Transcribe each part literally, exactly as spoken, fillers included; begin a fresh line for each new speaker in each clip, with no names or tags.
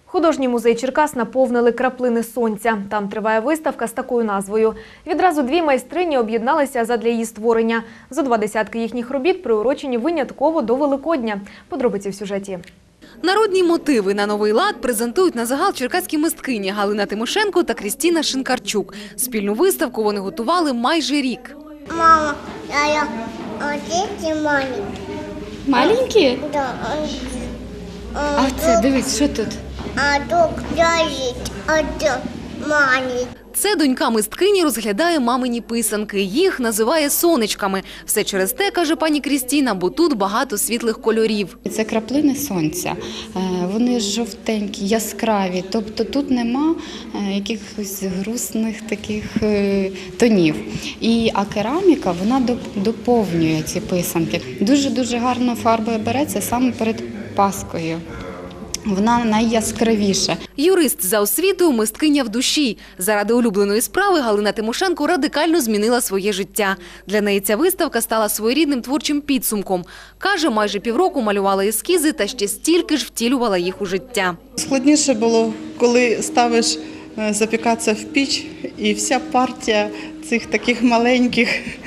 Художній музей Черкас наповнили краплини сонця. Там триває виставка з такою назвою. Відразу дві майстрині об'єдналися задля її створення. Зо два десятки їхніх робіт приурочені винятково до Великодня. Подробиці в сюжеті.
Народні мотиви на новий лад презентують на загал черкаські мисткині Галина Тимошенко та Крістіна Шинкарчук. Спільну виставку вони готували майже рік.
Мама, а я дети маленькі.
Маленькі?
Да.
А це, дивись, що тут?
А тут лежить один маленький.
Це донька мисткині розглядає мамині писанки. Їх називає сонечками. Все через те, каже пані Крістіна, бо тут багато світлих кольорів.
Це краплини сонця. Вони жовтенькі, яскраві. Тобто тут нема якихось грустних таких тонів. І, а кераміка, вона доповнює ці писанки. Дуже-дуже гарно фарба береться саме перед Паскою. Вона найяскравіша.
Юрист за освітою, мисткиня в душі. Заради улюбленої справи Галина Тимошенко радикально змінила своє життя. Для неї ця виставка стала своєрідним творчим підсумком. Каже, майже півроку малювала ескізи та ще стільки ж втілювала їх у життя.
Складніше було, коли ставиш запікатися в піч, і вся партія цих таких маленьких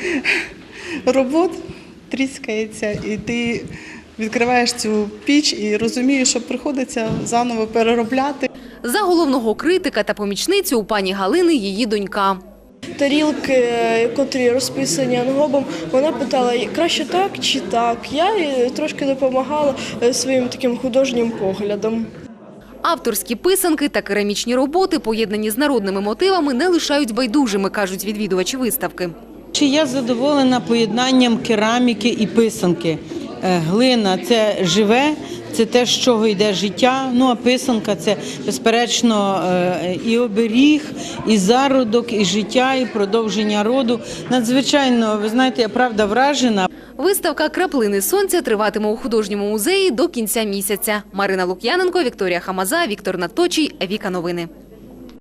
робот тріскається, і ти відкриваєш цю піч і розумієш, що приходиться заново переробляти.
За головного критика та помічницю у пані Галини її донька.
Тарілки, котрі розписані ангобом, вона питала, краще так чи так. Я їй трошки допомагала своїм таким художнім поглядом.
Авторські писанки та керамічні роботи, поєднані з народними мотивами, не лишають байдужими, кажуть відвідувачі виставки.
Чи я задоволена поєднанням кераміки і писанки? Глина – це живе, це те, з чого йде життя, ну а писанка – це, безперечно, і оберіг, і зародок, і життя, і продовження роду. Надзвичайно, ви знаєте, я правда вражена.
Виставка «Краплини сонця» триватиме у художньому музеї до кінця місяця. Марина Лук'яненко, Вікторія Хамаза, Віктор Надточій, Віка Новини.